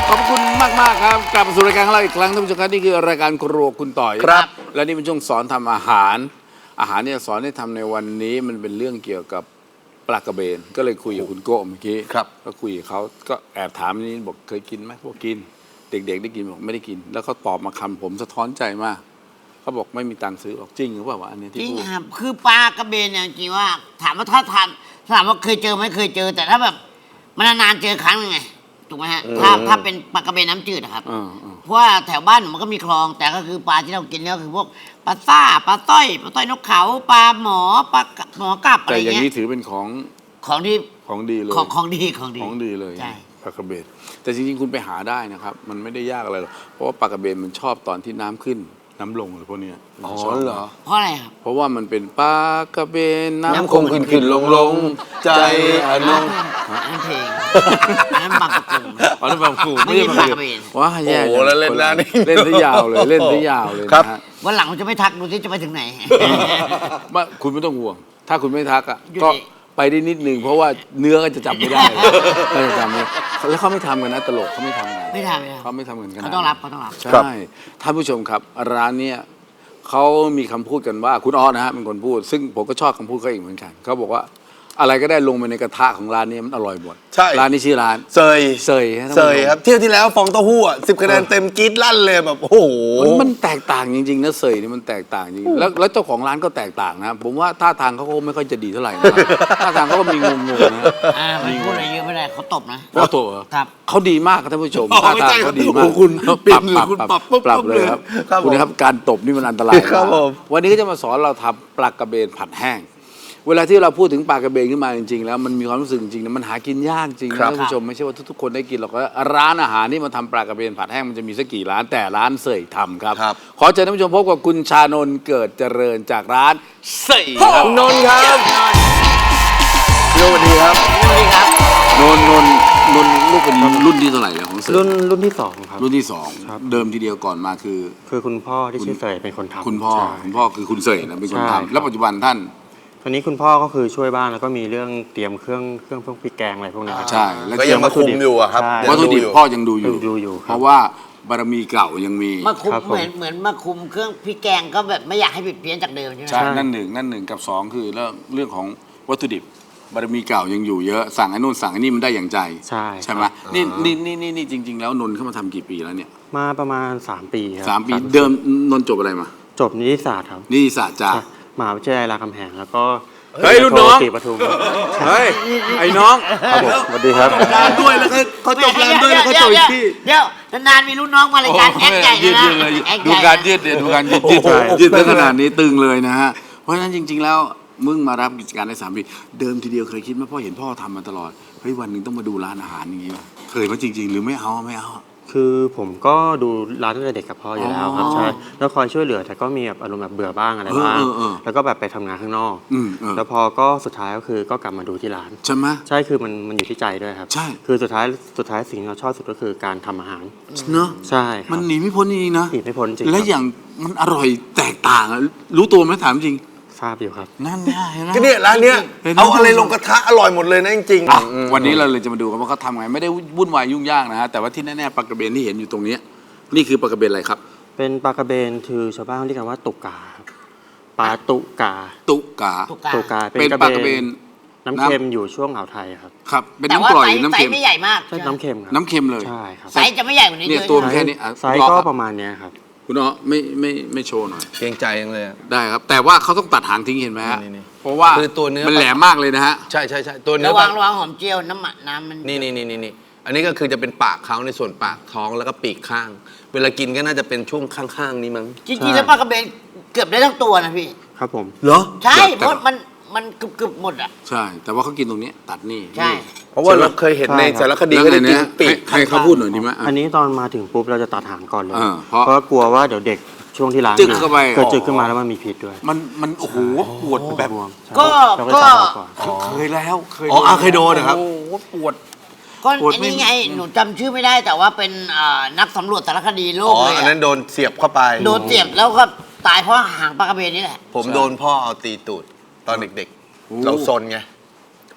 ขอบคุณมากครับกลับมาสู่รายการของเราอีกครั้งท่านผู้ชมครับนี่คือรายการครัวคุณต่อยครับและนี่เป็นช่วงสอนทำอาหารเนี่ยสอนให้ทำในวันนี้มันเป็นเรื่องเกี่ยวกับปลากระเบนก็เลยคุยกับคุณโก้เมื่อกี้ก็คุยกับเขาก็แอบถามนี่บอกเคยกินไหมพวกกินเด็กๆได้กินบอกไม่ได้กินแล้วเขาตอบมาคำผมสะท้อนใจมากเขาบอกไม่มีตังค์ซื้อบอกจริงหรือเปล่าวะอันนี้ที่จริงพูดครับคือปลากระเบนเนี่ยจริงว่าถามว่าถ้าทานถามว่าเคยเจอไหมเคยเจอ แต่ถ้าแบบมันนานๆเจอครั้งนึงไงถูกไหมฮะถ้าเป็นปลากระเบนน้ำจืดนะครับเพราะว่าแถวบ้านมันก็มีคลองแต่ก็คือปลาที่เรากินเนี่ยก็คือพวกปลาซ่าปลาต้อยนกเขาปลาหมอปลาหมอกลับอะไรแต่อย่างเงี้นี้ยถือเป็นของที่ของดีเลยของดีของดีเลยใช่ปลากระเบนแต่จริงๆคุณไปหาได้นะครับมันไม่ได้ยากอะไรหรอกเพราะว่าปลากระเบนมันชอบตอนที่น้ำขึ้นน้ำลงอะไรพวกเนี้ยมันชอบเหรอเพราะอะไรครับเพราะว่ามันเป็นปลากระเบนน้ำน้ำคงขึ้นลงใจอนงอันนั้นเพลงอันนั้นบางประกงอ๋อนั่นปลากระเบนไม่ใช่ปลากระเบนว้าแย่โอ้โหแล้วเล่นหน้านี่เล่นซะยาวเลยเล่นซะยาวเลยครับนะฮะวันหลังผมจะไม่ทักดูที่จะไปถึงไหนว่าคุณไม่ต้องห่วง ถ้าคุณไม่ทักอ่ะอยู่ก็ดีไปได้นิดนึงเพราะว่าเนื้อก็จะจับไม่ได้ก็จะจำไม่แล้วเขาไม่ทำกันนะตลกเขาไม่ทำกันไม่ทเขาไม่ทำกันำเขาต้องรับใช่ท่านผู้ชมครับร้านเนี้ยเขามีคำพูดกันว่าคุณออสนะฮะเป็นคนพูด ซึ่งผมก็ชอบคำพูดเขาอีกเหมือนกันเขาบอกว่าอะไรก็ได้ลงไปในกระทะของร้านนี้มันอร่อยหมดใช่ร้านนี้ชื่อร้านเซยเซยฮะท่านเซผู้ชมยครับเที่ยวที่แล้วฟองเต้าหู้อ่ะ10 คะแนนเต็มกรี๊ดลั่นเลยแบบโอ้โหมันแตกต่างจริงๆนะเซยนี่มันแตกต่างจริงแล้วเจ้าของร้านก็แตกต่างนะผมว่าท่าทางเขาก็ไม่ค่อยจะดีเท่าไหร่นะท่าทางเขาก็มีงงๆนะไม่พูดอะไรเยอะไม่ได้เขาตบนะว่าตัวเหรอครับเขาดีมากครับท่านผู้ชมอ๋อท่าไม่ทางใช่เขาดีมากโอ้โหคุณเปลี่ยนหรือคุณปรับปุ๊บปรับเลยครับครับคุณนะครับการตบนี่มันอันตรายครับมากผมวันนี้ก็จะมาสอนเราทำปลากระเบนผัดแห้ง เวลาที่เราพูดถึงปลากระเบนขึ้นมาจริงๆแล้วมันมีความรู้สึกจริงๆนะมันหากินยากจริงครันะบท่านผู้ชมไม่ใช่ว่าทุกๆคนได้กินหรอกว่าร้านอาหารที่มาทำปลากระเบนผัดแห้งมันจะมีสักกี่ร้านแต่ร้านเสยทำครับครับขอเชิญท่านผู้ชมพบกับคุณชานนท์เกิดเจริญจากร้านเสยครับนนท์ครับสวัสดีครับสวัสดีครับนนท์ลูกเป็นรุ่นที่เท่าไหร่แล้วของเสยรุ่นที่สองครับรุ่นที่สองครับเดิมทีเดียวก่อนมาคือคือคุณพ่อที่ชื่อเสยเป็นคนทำคุณพ่อใช่คือคุณเสยนะเป็นคนใช่ทำแล้วปัจจุบันท่านตอนนี้คุณพ่อก็คือช่วยบ้านแล้วก็มีเรื่องเตรียมเครื่องพวกพริกแกงอะไรพวกนี้ครับใช่แล้วก็ยังมาคุมอยู่อะครับใช่วัตถุดิบพ่อยังดูอยู่ดูอยู่ครับเพราะว่าบารมีเก่ายังมีมาคุมครับผมเหมือนมาคุมเครื่องพริกแกงก็แบบไม่อยากให้ผิดเพี้ยนจากเดิมใช่ไหมใช่นั่นหนึ่งกับสองคือเรื่องของวัตถุดิบบารมีเก่ายังอยู่เยอะสั่งไอ้นู่นสั่งไอ้นี่มันได้อย่างใจใช่ไหมครับนี่จริง ๆ แล้วนนท์เข้ามาทำกี่ปีแล้วเนี่ยมาประมาณ3 ปีครับ 3 ปีเดิมนนท์จบอะไรมาจบนิติศาสตร์ครับนิติศาสตร์จากมหาวิทยาลัยรามคำแหงแล้วก็เฮ้ยรุ่นน้องศรีปทุมเฮ้ยไอ้น้องครับผมสวัสดีครับงานด้วยแล้วเขาจบงานด้วยแล้วเขาจบอีกที่เดี๋ยวนานๆมีรุ่นน้องมารายการแอคใหญ่ยืดนะเลยแอคดูใหญ่การยืดเดี๋ยวดูการยืดใช่ยืดถึงขนาดนี้ตึงเลยนะฮะเพราะฉะนั้นจริง ๆ แล้วมึงมารับกิจการได้3 ปีเดิมทีเดียวเคยคิดไหมพ่อเห็นพ่อทำมาตลอดเฮ้ยวันหนึ่งต้องมาดูร้านอาหารอย่างนี้ป่ะเคยไหมจริง ๆ หรือไม่เอาคือผมก็ดูร้านตั้งแต่เด็กกับพ่ออยู่แล้วครับอ๋อใช่แล้วคอยช่วยเหลือแต่ก็มีแบบอารมณ์แบบเบื่อบ้างอะไรบ้างเออแล้วก็แบบไปทำงานข้างนอก แล้วพอก็สุดท้ายก็คือก็กลับมาดูที่ร้านใช่ไหมใช่คือมันอยู่ที่ใจด้วยครับใช่คือสุดท้ายสิ่งที่เราชอบสุดก็คือการทำอาหารเนอะใช่ครับมันหนีไม่พ้นจริงๆนะหนีไม่พ้นจริงและครับอย่างมันอร่อยแตกต่างอะรู้ตัวไหมถามจริงทราบอยู่ครับนั่นไงเห็นไหมก็เนี่ยร้านเนี้ยเห็นไหมเอาอะไรลงกระทะอร่อยหมดเลยนะจริงอ่ะวันนี้เราเลยจะมาดูกันว่าเขาทำไงไม่ได้วุ่นวายยุ่งยากนะฮะแต่ว่าที่แน่ๆปลากระเบนที่เห็นอยู่ตรงเนี้ยนี่คือปลากระเบนอะไรครับเป็นปลากระเบนคือชาวบ้านเรียกกันว่าตุกกาครับปลาตุกาตุกาตุกาเป็นปลากระเบนน้ำเค็มอยู่ช่วงอ่าวไทยครับครับเป็นแต่น้ำว่ากร่อยไซหรือส์น้ำเค็มไม่ใหญ่มากใช่น้ำเค็มครับน้ำเค็มเลยใช่ครับไซส์จะไม่ใหญ่กว่านี้เนี่ยเยอะตัวมันแค่นี้อ่ะไซส์ก็ประมาณเนี้ยครับคุณอ๋อไม่โชว์หน่อยๆเกรงใจยังเลยอะได้ครับ แต่ว่าเขาต้องตัดหางทิ้งเห็นไหมฮะนี่เพราะว่าคือตัวเนื้อมันแหลมมากเลยนะฮะใช่ตัวเนื้ระอวังหอมเจียวน้ำมันนี่อันนี้ก็คือจะเป็นปากเขาในส่วนปากท้องแล้วก็ปีกข้าง เวลากินก็น่าจะเป็นช่วงข้างๆนี้มั้งจริงๆแล้วปลากระเบนเกือบได้ทั้งตัวนะพี่ครับผมเหรอใช่แต่เพราะมันเกือบหมดอ่ะใช่ แต่ว่าเขากินตรงนี้ตัดนี่ใช่เพราะว่าเราเคยเห็นในสารคดีแล้วก็ไงจะกิเนี่นยปีกให้เขาพูดหน่อยดีไหมอ่ะอันนี้ตอนมาถึงปุ๊บเราจะตัดหางก่อนเลยเพราะเพราะกลัวว่าเดี๋ยวเด็กช่วงที่ล้างจึ๊กเข้าไปเกิดจึกขึ้นมาแล้วมันมีพิษด้วยมันโอ้โหปวดแบบบวมใช่ก็เราก็จะตัดออกก่อนเคยแล้วเคยโดนนะครับโอ้โหปวดก็ปวดอันไม่นี้ไงหนูจำชื่อไม่ได้แต่ว่าเป็นนักสำรวจสารคดีโลอ๋กอเลยอันนั้นโดนเสียบเข้าไปโดนเสียบแล้วก็ตายเพราะหางปลากระเบนนี่แหละผมโดนพ่อเอาตีตูดตอนเด็กๆ เราซนไง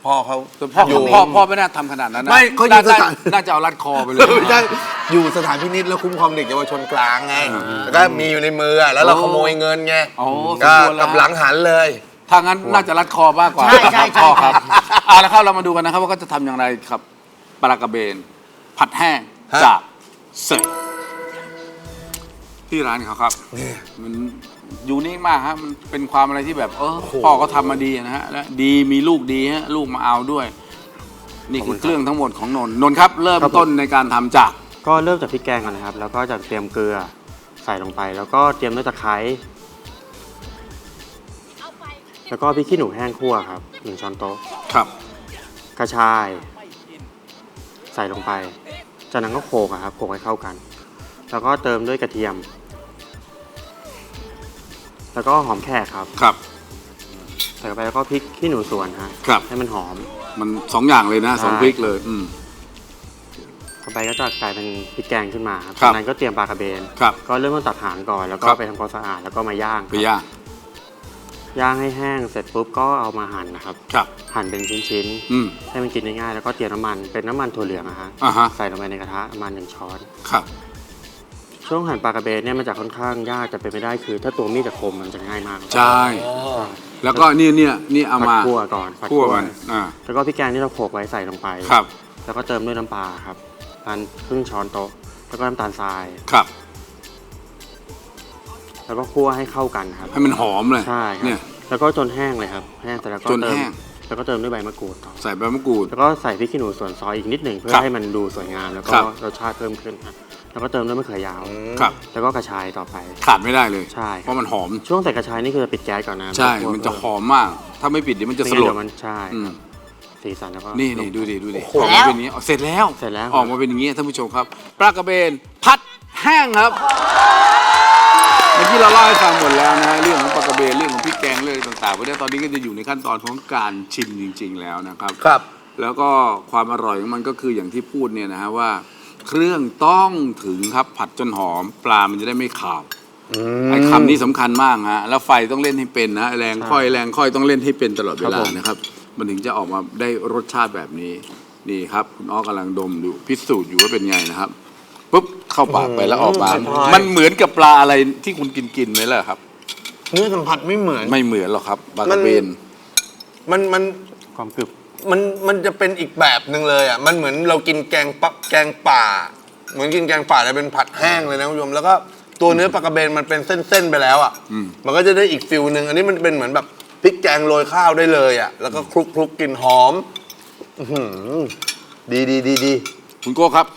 พ่อเขาพ่ออยู่พ่อไม่น่าทำขนาดนั้นนะไม่เขาอยู่สถานน่าจะเอารัดคอไปเลยไม่ใช่อยู่สถานพินิจแล้วคุ้มครองเด็กเยาวชนกลางไงแล้วก็มีอยู่ในมือแล้วเราขโมยเงินไงโอ้สมก็ควรแล้วกับหลังหันเลยถ้างั้นน่าจะรัดคอมากกว่าใช่ใช่พ่อครับเอาละครับเรามาดูกันนะครับว่าเขาจะทำอย่างไรครับปลากระเบน ผัดแห้งฮะจากเสยที่ร้านเขาครับมันยูนิคมากฮะมันเป็นความอะไรที่แบบพ่อเขาทำมาดีนะฮะและดีมีลูกดีฮะลูกมาเอาด้วย นี่คือเครื่องทั้งหมดของนนท์ครับ เริ่มต้นในการทำจากก็เริ่มจากพริกแกงก่อนนะครับ แล้วก็จะเตรียมเกลือใส่ลงไป แล้วก็เตรียมด้วยตะไคร้แล้วก็พริกขี้หนูแห้งคั่วครับ1 ช้อนโต๊ะครับกระชาย ใส่ลงไป จากนั้นก็โขลกอะครับโขลกให้เข้ากัน แล้วก็เติมด้วยกระเทียม แล้วก็หอมแขกครับครับใส่เข้าไปแล้วก็พริกขี้หนูสวนฮะครับให้มันหอมมันสองอย่างเลยนะใช่สองพริกเลยต่อไปก็จะกลายเป็นพริกแกงขึ้นมาครับครับจากนั้นก็เตรียมปลากระเบนครับก็เริ่มต้นตัดหางก่อน แล้วก็ครับไปทำความสะอาดแล้วก็มาย่างไปย่างย่างให้แห้งเสร็จปุ๊บก็เอามาหั่นนะครับครับหั่นเป็นชิ้นอืมๆให้มันกินง่ายๆแล้วก็เตรียมน้ำมันเป็นน้ำมันถั่วเหลืองอะฮะอ่าฮะใส่ลงไปในกระทะประมาณ1 ช้อนครับช่วงหั่นปลากระเบนเนี่ยมันจะค่อนข้างยากจะเป็นไม่ได้คือ ถ้าตัวมีดจะคมมันจะง่ายมากใช่ แล้วก็นี่เอาผัดมาคั่วก่อนผัดคั่วมันอ่าแล้วก็พริกแกงที่เราโขลกไว้ใส่ลงไปครับแล้วก็เติมด้วยน้ำปลาครับประมาณครึ่งช้อนโต๊ะแล้วก็น้ำตาลทรายครับแล้วก็คั่วให้เข้ากันครับให้มันหอมเลยใช่ครับเนี่ยแล้วก็จนแห้งเลยครับแห้งแต่แล้วก็จนเติแห้มงแล้วก็เติมด้วยใบมะกรูดต่อใส่ใบมะกรูดแล้วก็ใส่พริกขี้หนูส่วนซอยอีกนิดหนึ่งเพื่อครับให้มันดูสวยงามแล้วก็ครับรสชาติเพิ่มขึ้นครับแล้วก็เติมด้วยมะเขือยาวครับแล้วก็กระชายต่อไปขาดไม่ได้เลยใช่ครับเพราะมันหอมช่วงใส่กระชายนี่คือปิดแก๊สก่อนนะใช่คั่วมันจะหอมมาก ถ้าไม่ปิดเดี๋ยวมันจะไม่สงั้นลดเดี๋ยวมันใช่อืมสีสันแล้วก็นี่ลงดูดิเสร็อจอกแล้มาว เป็นอย่างนี้เสร็จแล้วเสร็จแล้วออกมาเป็นอย่างนี้ท่านผู้ชมครับปลากระเบน ผัดแห้งครับ เมื่อกี้เราเล่าให้ฟังหมดแล้วนะฮะเรื่องของปลากระเบนเรื่องของพริกแกงเรื่องต่างๆเพราะฉะนั้นตอนนี้ก็จะอยู่ในขั้นตอนของการชิมจริง ๆ แล้วนะครับครับแล้วก็ความอร่อยของมันก็คืออย่างที่พูดเนี่ยนะฮะว่า เครื่องต้องถึงครับผัดจนหอมปลามันจะได้ไม่ขาวไอ้คำนี้สำคัญมากฮะแล้วไฟต้องเล่นให้เป็นนะแรงค่อยต้องเล่นให้เป็นตลอดเวลานะครับ มันถึงจะออกมาได้รสชาติแบบนี้นี่ครับคุณอ้อกำลังดมดูพิสูจน์อยู่ว่าเป็นไงนะครับปุ๊บเข้าปากไปแล้วออกมา มันเหมือนกับปลาอะไรที่คุณกินไหมล่ะครับเนื้อสัมผัสไม่เหมือนไม่เหมือนหรอกครับปลากระเบนมันความกรึบมันจะเป็นอีกแบบหนึ่งเลยอ่ะมันเหมือนเรากินแกงป่า เหมือนกินแกงป่าแต่เป็นผัดแห้งเลยนะคุณผู้ชมแล้วก็ตัวเนื้อปลากระเบนมันเป็นเส้นๆไปแล้วอ่ะมันก็จะได้อีกฟิลหนึ่งอันนี้มันเป็นเหมือนแบบพริกแกงโรยข้าวได้เลยอ่ะแล้วก็คลุกกลิ่นหอมอื้อหือดีคุณโก้ครับ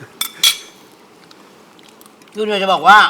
คือเราจะบอกว่า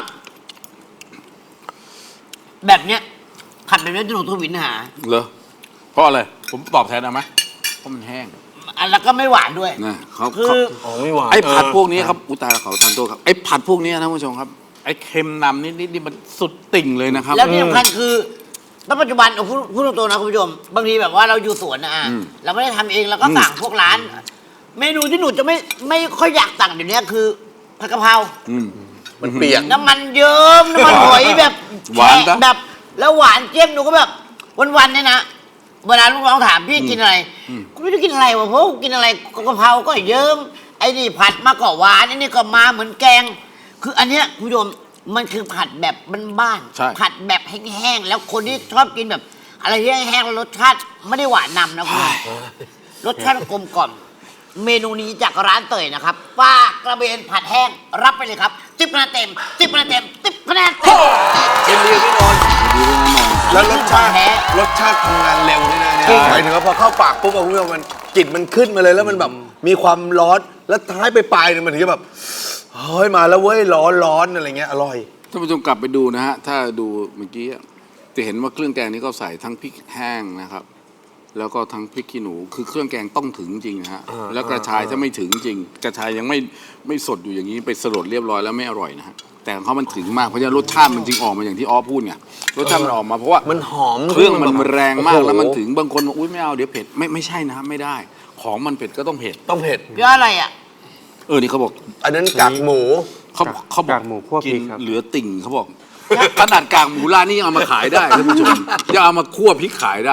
แบบเนี้ยผัดแบบนี้จะหนูทวินหาเหรอเพราะอะไรผมตอบแทนเอาไหมเพราะมันแห้งอันแล้วก็ไม่หวานด้วยนะเขาคืออ๋อไม่หวานไอ้ผัดพวกนี้ครับอุยตายแล้วเขาทานโทษครับไอ้ผัดพวกนี้นะท่านผู้ชมครับไอ้เค็มนำนิดนี่มันสุดติ่งเลยนะครับแล้วที่สำคัญคือณปัจจุบันเอาพูดตรงๆนะคุณผู้ชมบางทีแบบว่าเราอยู่สวนนะเราไม่ได้ทำเองเราก็สั่งพวกร้าน เมนูที่หนูจะไม่ค่อยอยากสั่งเดี๋ยวนี้คือผัดกะเพรามันเปียกน้ำมันเยิ้มน้ำมันหอยแบบหวานปะแบบแล้วหวานเจี๊ยบหนูก็แบบวันๆเนี่ยนะเวลาลูกน้องถามพี่กินอะไรกูไม่รู้กินอะไรวะเพราะกูกินอะไรกะเพราก็เยิ้มไอ้นี่ผัดมาก็หวานไอ้นี่ก็มาเหมือนแกง คืออันเนี้ยคุณผู้ชมมันคือผัดแบบบ้านใช่ๆผัดแบบแห้งๆแล้วคนที่ชอบกินแบบ อะไรที่แห้งๆแล้วรสชาติไม่ได้หวานนำนะคุณผู้ชมรสชาติกลมกล่อมเมนูนี้จากร้านเตยนะครับปลากระเบนผัดแห้งรับไปเลยครับ10 คะแนนเต็ม10 คะแนนเต็ม10 คะแนนเต็มเป็นเรียวพี่นนท์ดีด้วยนะนนท์แล้วรสชาติแท้รสชาติทำงานเร็วนี่นะเนี่ยจริงหมายถึงว่าพอเข้าปากปุ๊บอะคุณผู้ชมมันกลิ่นมันขึ้นมาเลยแล้วมันแบบมีความร้อนแล้วท้ายไปปลายเนี่ยมันถึงจะแบบเฮ้ยมาแล้วเว้ยร้อนอะไรเงี้ยอร่อยท่านผู้ชมกลับไปดูนะฮะถ้าดูเมื่อกี้จะเห็นว่าเครื่องแกงนี้ก็ใส่ทั้งพริกแห้งนะครับ แล้วก็ทั้งพริกขี้หนูคือเครื่องแกงต้องถึงจริงนะฮะแล้วกระชายถ้าไม่ถึงจริง กระชายยังไม่สดอยู่อย่างนี้ไปสลดเรียบร้อยแล้วไม่อร่อยนะฮะแต่ของเขามันถึงมากเพราะฉะนั้นรสชาติมันจึงออกมาอย่างที่อ้อพูดไงรสชาติมันออกมาเพราะว่ามันหอมเครื่องมันแรงมากโอ้โหแล้วมันถึงบางคนบอกอุ้ยไม่เอาเดี๋ยวเผ็ดไม่ใช่นะไม่ได้ ของมันเผ็ดก็ต้องเผ็ดต้องเผ็ดเพื่ออะไรอ่ะนี่เขาบอกอันนั้นกากหมูเขาบอกกากหมูคั่วพกิรินกครับเหลือติ่งเขาบอกขนาดกากหมูร้านนี้ยังเอามาขายได้ท่านผู้ชมยังเอามาคั่วพริกขายได้อะ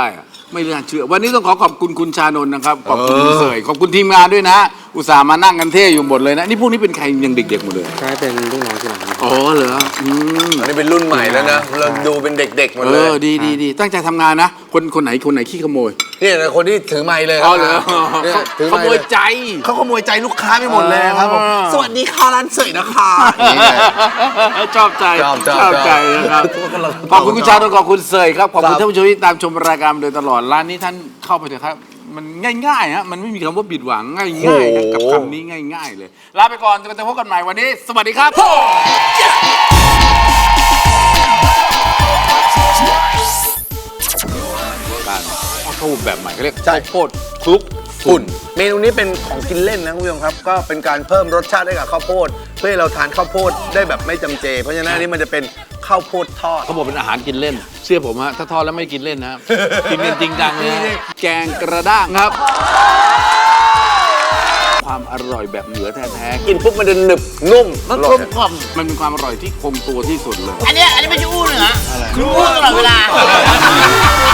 ไม่น่าเชื่อวันนี้ต้องขอบคุณคุณชานนท์นะครับขอบคุณคุณเสยขอบคุณทีมงานด้วยนะ อุตส่าห์มานั่งกันเท่อยู่หมดเลยนะนี่พวกนี้เป็นใครยังเด็กๆหมดเลยใช่เป็นลูกน้องที่ร้านอ๋อเหรออันนี้เป็นรุ่นใหม่แล้วนะเราดูเป็นเด็กๆหมดเลยดีตั้งใจทำงานนะคนไหนขี้ขโมยนี่นะคนที่ถือไมค์เลยอ๋อเหรอนี่ถือขไมค์โมยใจเขาขโมยใจลูกค้าไปหมดเลยครับผมสวัสดีค่ะร้านเสยนะคะชอบใจชอบใจนะครับขอบคุณคุณชานนท์ขอบคุณเสยครับขอบคุณท่านผู้ชมที่ตามชมรายการมาโดยตลอดร้านนี้ท่านเข้าไปเถอะครับมันง่ายๆฮะมันไม่มีคำว่าผิดหวังง่ายๆนะกับคำนี้ง่ายๆเลยลาไปก่อนจะพบกันใหม่วันนี้สวัสดีครับการข้าวโพดแบบใหม่เขาเรียกข้าวโพดคลุกฝุ่นเมนูนี้เป็นของกินเล่นนะคุณผู้ชมครับก็เป็นการเพิ่มรสชาติให้กับข้าวโพดเพื่อให้เราทานข้าวโพดได้แบบไม่จำเจ เพราะฉะนั้นอันนี้มันจะเป็นข้าวโพดทอดเขาบอกเป็นอาหารกินเล่นเชื่อผมฮะถ้าทอดแล้วไม่กินเล่นนะครับ กินกันจริงจังเลยนะแกงกระด้างครับ ความอร่อยแบบเหนือแท้ๆกินปุ๊บมันจะหนึบนุ่มมันกลมกล่อมมันเป็นความอร่อยที่คงตัวที่สุดเลยอันนี้ไม่ใช่อู้เหนือคืออู้ตลอดเวลา